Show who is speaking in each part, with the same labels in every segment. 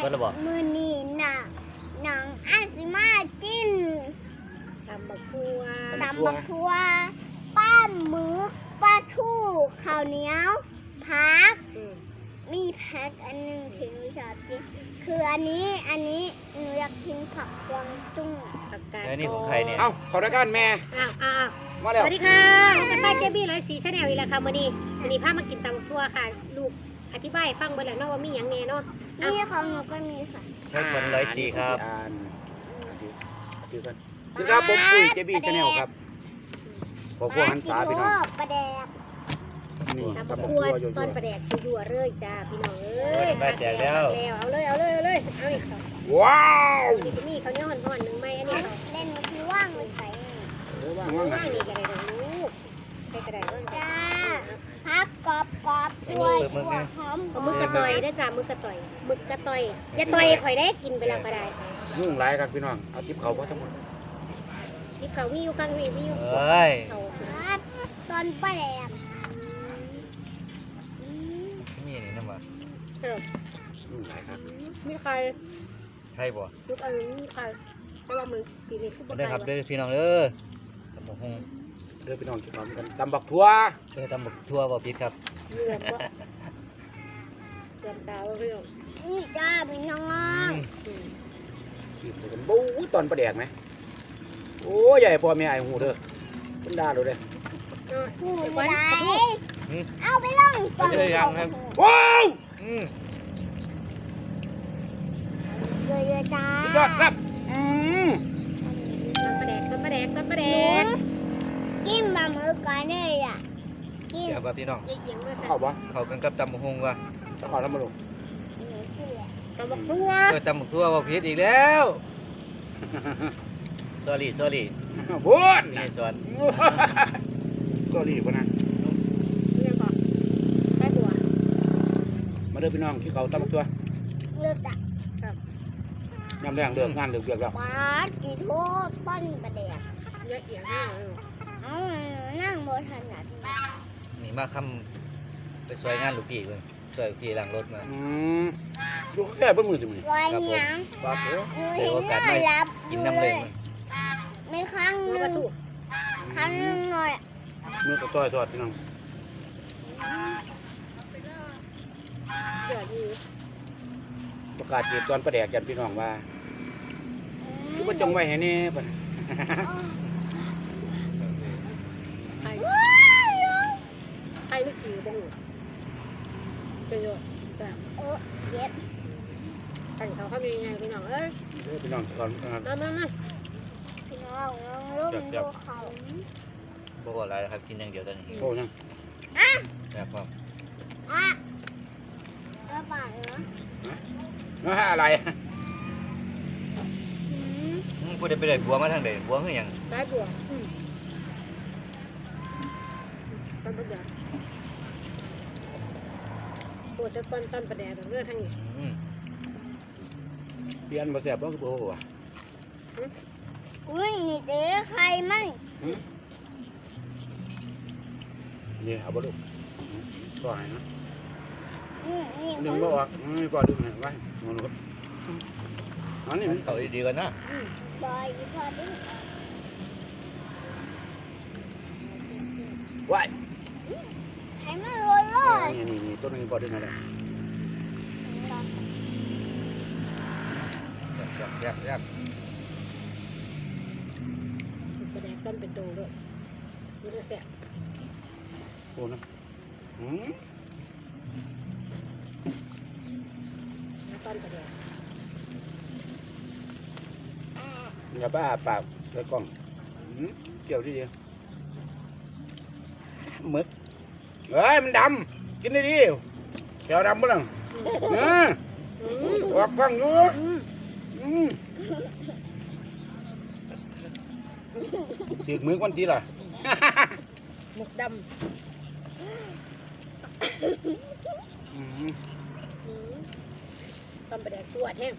Speaker 1: มือนี่หนังอันสิมาจิ้น
Speaker 2: ตำบักทั่วป้าหมึกปลาทูข้าวเหนียวผักมีผักอันนึงที่หนูชอบกินคืออันนี้หนูอยากกินผักกวางตุ้งผักกาด
Speaker 3: นี่ของใครเนี่ย
Speaker 4: เอ้าขอรายการแม่มาแล้ว
Speaker 2: สวัสดีค่ะผมก็ใส่เจบี้104 Channel อีกแล้วค่ะมื้อนี้พามากินตำบักทั่วค่ะลูกอธิบายฟังเบิ่งแล้วเนาะว่ามีหยังแน่เนาะ
Speaker 1: นี่ของหนูก็มีค่ะ
Speaker 3: ใช่คน104ครับ
Speaker 4: ถือกันสวัสดีครับผมปุ้ยเจบี้ชาแนลครับผมพวกหันษาพี่น้อง
Speaker 1: ปลาแดก
Speaker 4: นี่
Speaker 2: ตำบักทั่วต้นปลาแดกยั่วๆเลยจ้าพี่น้องเอ้ย
Speaker 3: มาแจกแล้ว
Speaker 2: เอาเลยเอาอีกค่ะ
Speaker 4: ว้าว
Speaker 2: นี่ก็มีข้าวเหนียวห่อนๆนึงไหมอันนี้
Speaker 1: เล่นมันคือว่างเลยใส่
Speaker 2: ว่างนี่ก็ได้ลูกใส่ก็ได้ว่าง
Speaker 1: จ้าพับกรอบด้วยหอม
Speaker 2: มึกกระต่อยได้จ้ามึกกระต่อยอย่าต่อยข่อยได้กินไปแล้วก็ได้
Speaker 4: ยุ่งหลายครับพี่น้องเอาทิปเขาเพราะทั้งหมด
Speaker 2: ทิปเขามีอยู่ฟังมีอยู่
Speaker 1: ครับตอนปลาแดก
Speaker 3: นี่น้ำมัน
Speaker 4: ยุ่งหลายครับ
Speaker 2: มีใคร
Speaker 3: บ่
Speaker 2: ทุกอันมีใครเพราะว่ามันปีนี้คือบ่
Speaker 3: ได้ครับเด้อพี่น้องเด้อตำบักหุ่ง
Speaker 4: เด้อพี่น้องกินพร้อมกันตำบักทั่ว
Speaker 3: ตำบักทั่วบ่ผิดครับ
Speaker 2: เลือดตาพี่น้อง
Speaker 1: นี่จ้าพี่น้อง
Speaker 4: ขีดกันบู๊ตอนประแดกไหมโอ้ใหญ่พอแม่ไอ้หูเด้อเป็นดาดูเด้
Speaker 1: หูไม่ได้เอาไปล่องก่อน
Speaker 4: ว้าว
Speaker 1: เยอะๆจ้าย
Speaker 4: อดครับ
Speaker 2: ต้นปลาแดก
Speaker 1: กินบะหมึกก่อนเลยอ่ะ
Speaker 3: กินเสียบ่พี่น้อง
Speaker 4: เข้าปะ
Speaker 3: เข้ากันกับตำบักหุ่งว่ะ
Speaker 4: จะขอทำมาลง
Speaker 2: ตำบักทั่ว
Speaker 3: ตำบักทั่วบ่ผิดอีกแล้วsorry
Speaker 4: บุญ
Speaker 3: นี่สอน
Speaker 4: sorry ป่ะนะ
Speaker 2: ได้ตัว
Speaker 4: มาเด้อพี่น้องที่เขาตำบักทั่ว
Speaker 1: เลือกจ้ะ
Speaker 4: ยำแรงเลือกงานเลือกแล้ว
Speaker 1: ปลากี่โทษต้นประเดี๋ยว
Speaker 2: เยอะแยะ
Speaker 1: นั่งบนถนัด
Speaker 3: นี่มาคำไปช่วยงานลูกพี่ก่อนช่วยพี่ล้างรถมา
Speaker 4: ดูแค่เบิ้ลมือสิมึง
Speaker 1: ลอยยัง
Speaker 4: บ้าเด้อ
Speaker 3: เจอโอกาสไม่กินน้ำเลย
Speaker 1: ไม่ครั้งนึงหน่อย
Speaker 4: มือก็ต่อยทอดพี่น้องประกาศจีบตอนประแดกยันพี่น้องว่าคือว่าจงไว้ให้แน่ป่ะ
Speaker 2: ใครนึกถือบ้างเป็นโย
Speaker 1: เย็บ
Speaker 2: กันเขาทำยังไงพี่น้องเอ้ย
Speaker 4: พี่น้องก่อน
Speaker 2: มา
Speaker 1: พี่น้องร่มดูเขา
Speaker 3: บอกว่าอะไรครับกินอย่างเดียวตอนนี้
Speaker 4: โอ้ยัง
Speaker 3: แบบว่า
Speaker 1: แล้วป่าเหรอ
Speaker 4: อะไร
Speaker 3: พูดได้ไปเลยบัวมาทางไหนบัวคืออย่าง
Speaker 2: ได้บัวต้นประแดกปวดจะต้นประแดกเรื่องทางนี้
Speaker 4: เปลี่ยนมาแซ่บบ้างบัว
Speaker 1: อุ้ยนี่เจ๊ใครมั่ง
Speaker 4: นี่เอาบ้าลูกปล่อยนะหนึ่งบ่ออกไม่ปล่อยดูหน่อยไว้มองดูอันนี้
Speaker 3: เขาดีกันนะ
Speaker 1: ปล่อยพอดี
Speaker 4: ไว้
Speaker 1: ใช้มาเลย
Speaker 4: นี่ต้นนี้พอดีนะแหละ
Speaker 3: ยับ
Speaker 2: ประแดกต้นเป็นโตด้วยมันจะแสบ
Speaker 4: โอ้นะ
Speaker 2: ต้นประแดก
Speaker 4: อย่าบ้าปากใส่กล้องเกี่ยวที่เดียวมึกเฮ้ยมันดำกินได้ดีแก้วดำมั้งออกกล้องอยู่ถือมือวันทีล่ะ
Speaker 2: หมึกดำต้นประแดกตัวแห้ง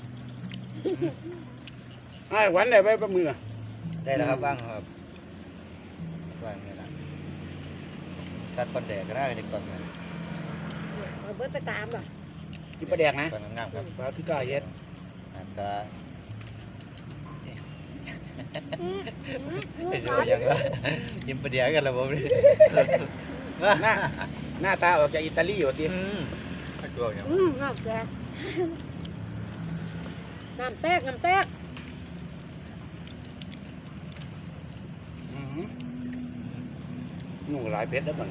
Speaker 4: ไอ้หวันได้ไปประมือ
Speaker 3: ได้แล้วครับบ้างครับบ้างนี่แหละสัตว์ปันแดกก็ได้ในก่อนนะ
Speaker 2: เบิร์ดไปตามหรอ
Speaker 4: กินปลาแดกนะ
Speaker 3: ตอนงามๆครับ
Speaker 4: ปลาคือกล้าเฮ็ด
Speaker 3: ก็
Speaker 2: อืม
Speaker 3: ไปดูอย่างว่ายิ้มประเดี๋ยวกันแล้วผมเลย
Speaker 4: หน้าตาออกจากอิตาลีอยู่ติ
Speaker 3: ตัวอย่าง
Speaker 1: น้ำแตกน้ำแตกน้ำแตก
Speaker 4: หนูหลายเพชรแล้วมัน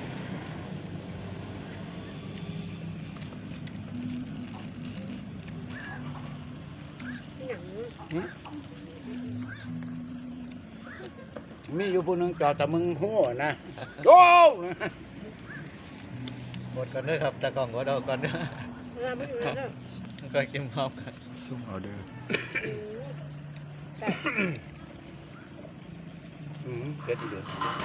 Speaker 1: หนัง
Speaker 4: มีอยู่ผู้หนึงจอดแต่มึงหัวนะโอ้
Speaker 3: หมดก่อนด้วยครับตะกล่องก็ดอกก่อนด้วย
Speaker 1: เราไม่อยู่แล้วเด้อ
Speaker 3: ก็กินพร้อมกัน
Speaker 4: ซุ่มเอาเด้อ
Speaker 1: ใช่
Speaker 4: เพชรเด้อ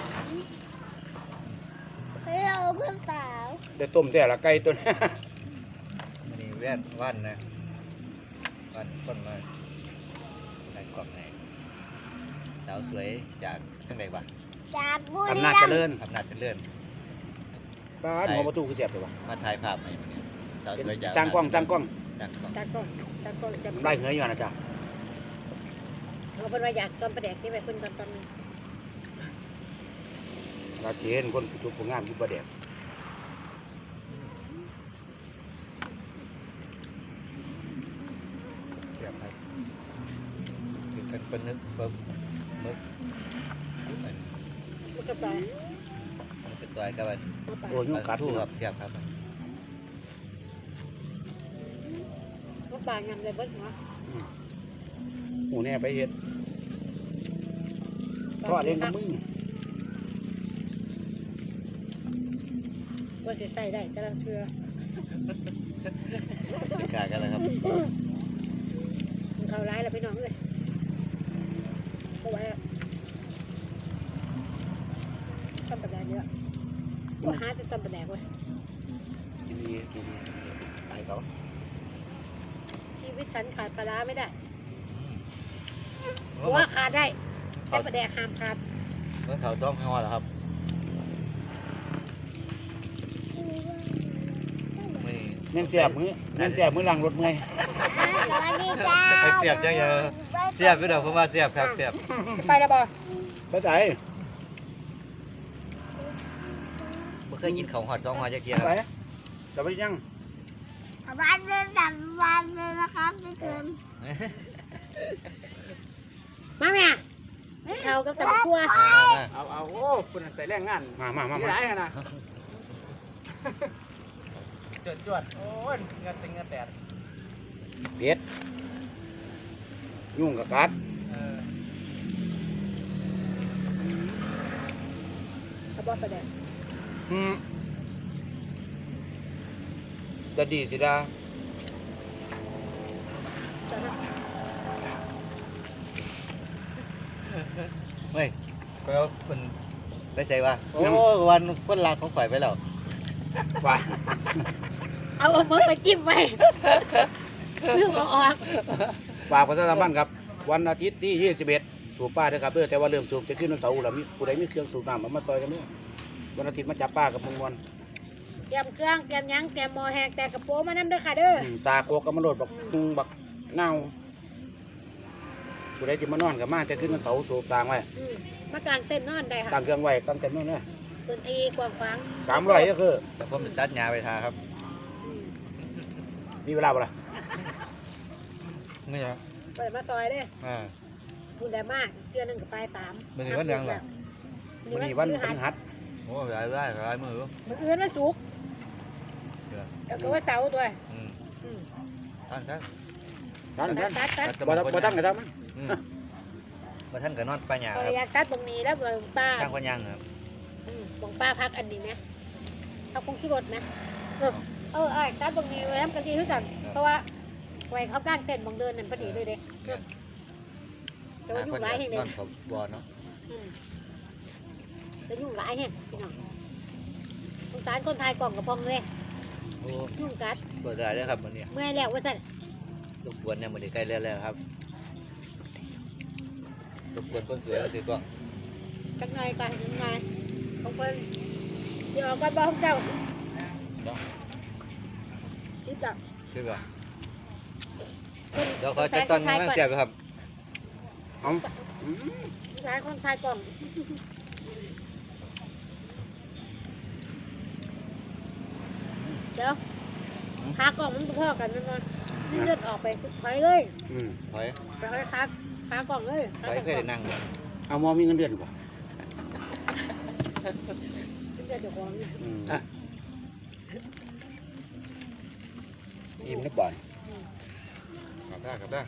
Speaker 2: เฮ้ยเราเพื่อนสาว
Speaker 4: ได้ต้มแต่ละไก่ตัวนี้
Speaker 3: มันนี่แว่นวันนะวันคนมาใส่กล่องไหนสาวสวยจากทั้งใดวะ
Speaker 2: จากบุรี
Speaker 4: อำนาจ
Speaker 2: รั
Speaker 4: เจ
Speaker 2: มย์
Speaker 4: ริญ
Speaker 3: อำนาจเจริญ
Speaker 4: ป้าดหัวประตูคือเสียบเลยวะ
Speaker 3: มาถ่ายภาพให้มันเนี่ยสาวสวยจาก
Speaker 4: สร้างกล้อง
Speaker 3: จากกล้อง
Speaker 1: จากก่อนจากก่อนจะ
Speaker 4: ไล่เหยอยู่นะจ๊ะ
Speaker 1: เราเป็นว่าอยากตอนประแดกที่ไปคุณตอนนี้
Speaker 4: เราเห็นคนจุดผงงามอยู่ประเดี๋ยว
Speaker 3: เสียบครับคือกันเป็นนึกปึ๊บมึกมัน
Speaker 1: มันก็ตาย
Speaker 3: มันก็ตัวกับมัน
Speaker 1: มาป่า
Speaker 4: โอ้ยยุ่งกัด
Speaker 3: ทู่
Speaker 4: ค
Speaker 3: ค
Speaker 4: รั
Speaker 3: รั
Speaker 4: บบ
Speaker 3: เทียบครับ
Speaker 1: มาป่ายำเลยเบิ้ลหัว
Speaker 4: หมูเนี่ยไปเฮ็ดทอดเองกับมึง
Speaker 1: ว่าจะใส่ได้แต่ละเชือ
Speaker 3: ติดกากันแล้วครับ
Speaker 1: มันเข้าร้ายแล้วพี่น้องเลยก็ไว้ต้นประแดกเยอะว่าหาแต่ต้นประแดกเว้ย
Speaker 4: กินดีกินดีตายเขา
Speaker 1: ชีวิตฉันขาดปลาร้าไม่ได้เพราะว่าขาดได้แต่ประแดกห้ามขาด
Speaker 3: เมื่อเขาซ้อมข้างนอกแล้วครับไม่
Speaker 4: แม่นเสียบมือแม่นเสียบมือหลังรถเมื่อย
Speaker 2: สวัสดีจ้า
Speaker 3: เสียบจังเยอะเสียบพี่เดี๋ยวผมว่าเสียบครับเสียบ
Speaker 1: ไปแล้วบ่
Speaker 4: ไปใจ
Speaker 3: เมื่อเคยกินของหอด2 หอดจะเกียร์ค
Speaker 4: ไป
Speaker 3: รับ
Speaker 4: จะไปยัง
Speaker 2: วันเดินแบบวันเลยนะครับพี่เกิน
Speaker 1: มาแม่เขากับตะกัว
Speaker 4: เอาโอ้คุณใส่แรงงานมาหลายนะจวดโอ้ยเงาติงเงาแตดเบ็ดยุ่งกับกัด
Speaker 1: เขาบอกประแดก
Speaker 4: จะดีสิดา
Speaker 1: จ้ะนะ
Speaker 3: เฮ้ยไปเอาคนไปใส่ว่าโอ้วันคนรักของข่อยไปแล้ว
Speaker 4: ว่า
Speaker 1: เอามือไปจิ้มไว้เรื่องออก
Speaker 4: ฝากประชาสัมพันธ์ครับ วันอาทิตย์ที่ 21 สูบป้าด้วยครับเด้อแต่ว่าเริ่มสูบจะขึ้นวันเสาร์แล้วมีผู้ใดมีเครื่องสูบน้ำมาซอยกันเด้อวันอาทิตย์มาจับป้ากับมงวน
Speaker 1: เตรียมเครื่องเตรียมหยังเตรียมหม้อแหกแต่กระโปรงมานั่นด้วยค่ะเด้อ
Speaker 4: สาโกกกับมะโรดบักคุงบักเน่าผู้ใดจะมานอนกับมาจะขึ้นวันเสาร์สูบต่างไว้
Speaker 1: มากางเต้นนอนได้ค่ะ
Speaker 4: ตั้งเครื่องไว้ตั้งเต็มนู่นเลย
Speaker 1: พื้นที่กว้างขวาง
Speaker 4: 300ก็คือ
Speaker 3: แต่ผมจะตัดหญ้าไปทาครับ
Speaker 4: มีเวลาบ่ล่ะ
Speaker 3: ไม่ใช่
Speaker 1: ไปมาซอยเด้อ
Speaker 3: อ่า
Speaker 1: บุญได้มากเจือหนึ่งกับปลาย3
Speaker 3: มื้อนี้วันหยังล่ะ
Speaker 4: วันนี้วันพฤหัส
Speaker 3: โอ้หลายมือ
Speaker 1: มื้ออื่นวันศุกร์แล้วก็วันเสาร์ตัว
Speaker 3: อืม
Speaker 1: อืม
Speaker 3: ท่าน
Speaker 4: ท่าน
Speaker 1: ตัด
Speaker 4: บ่ท่านก็ทำมัน
Speaker 3: มาท่านก็นอนไปหญ้า
Speaker 1: ขอ
Speaker 3: ครับ
Speaker 1: อยากตัดตรงนี้แล้วบ่ป้า
Speaker 3: ทางคนยังครับ
Speaker 1: บ่ป้าพักอันนี้ไหมพักคงสุรสไหมตัดตรงนี้ไว้ทำกันดีขึ้นกันเพราะว่าไว้เขากางเต้นบางเดินนั่นพอดีเลยเด้แต่ว่ายุ่งหลายแห่ง
Speaker 3: น
Speaker 1: เด้
Speaker 3: อนกับบอลเนาะ
Speaker 1: แต่ยุ่งหลายแห่งพี่น้องสงสารคนไทยกล่องกระพองเลย
Speaker 3: โอ้
Speaker 1: ยุ่งกัด
Speaker 3: เปิดได้เลยครับวันนี้
Speaker 1: เมื่อยแล้วว่าสั่น
Speaker 3: รบกวนเนี่ยมันใกล้แล้วครับรบกวนคนสวยเอาถือกล้อง
Speaker 1: จังไงกันยังไงของเพิ่นสิออกกันบ่ของเจ้า
Speaker 3: เนาะ
Speaker 1: สิบดอก
Speaker 3: คือว่าเดี๋ยวเขาจะตอนนี้เสียบครับ
Speaker 4: เอาอืม
Speaker 1: หลายคนทายกล่องเดี๋ยวขากล่องมันพ่อกันมันเลือดออกไปสุดท้ายเลย
Speaker 4: อืม
Speaker 3: ถอย
Speaker 1: ไปให้ขากล่องเลย
Speaker 3: ถอยเคยได้นั่ง
Speaker 4: เอาหมอมีเงินเดือนบ่
Speaker 1: เลือดเดี๋ยวของ
Speaker 4: อืมอิ่มนึกบ่อย
Speaker 3: กลับได้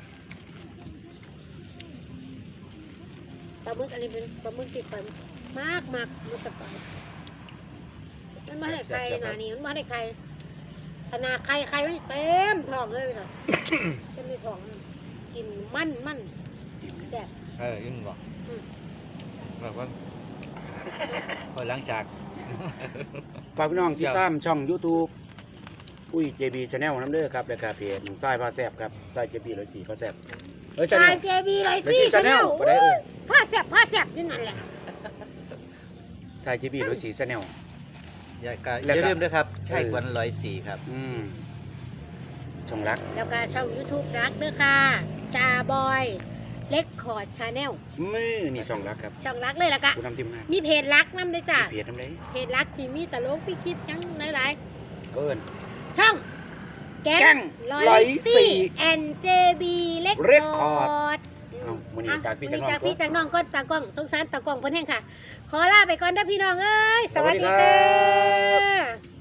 Speaker 1: ปลาหมึกอันนี้เป็นปลาหมึกติดไปมากมันจะไปมันมาให้ใครนานี่มันมาให้ใครขนาดใครไม่เต็มท้องเลยค่ะจะมีท้องกินมัน
Speaker 4: อิ่ม
Speaker 1: แซ่บ
Speaker 3: ยิ่งบอกแบบว่าพอหลังจาก
Speaker 4: ฝากพี่น้องติดตามช่อง YouTube อุ้ย JB Channel น้ำเด้อครับแล้วก็เพจทรายพาแซ่บครับทราย JB 104พาแซ่บ
Speaker 1: ชาย
Speaker 4: Channel
Speaker 1: เจบีเลย
Speaker 4: เลย
Speaker 1: สิ
Speaker 4: สิ Channel บ่ได้เอ้ย
Speaker 1: ผ้าแซ่บนี่นั่นแหละ
Speaker 4: ทราย JB 104 Channel
Speaker 3: อย่าลืมด้วยครับ ใช่ควัน104ครับ
Speaker 4: อืมช่องรัก
Speaker 1: แล้วก็ช่อง YouTube รักเด้อค่ะจาบอยเล็กคอร์ดชาแนล
Speaker 4: มือนี่ช่องรักครับ
Speaker 1: ช่องรักเลยแล้วก็
Speaker 4: ผู้นำทีมงาน
Speaker 1: มีเพจรักนำด้วยจ้ะ
Speaker 4: เพจน้ำเลย
Speaker 1: เพจรักที่มีตลกพี่คลิปยังหลาย
Speaker 4: เอิ้น
Speaker 1: ๆช่องแก๊
Speaker 4: แก๊ง
Speaker 1: ง104 NJB เล็ก
Speaker 4: Record
Speaker 1: คอร์ด
Speaker 4: เอามื้อนี้จากพี่จากน้อง
Speaker 1: จากพี่
Speaker 4: ก่อน
Speaker 1: จากน้องก็ตากล้องสงสารตากล้องเพิ่นแห้งค่ะ ขอลาไปก่อนเด้อพี่น้องเอ้ย สวัส
Speaker 4: สวัสดี
Speaker 1: ดี
Speaker 4: ครั
Speaker 1: ค่ะ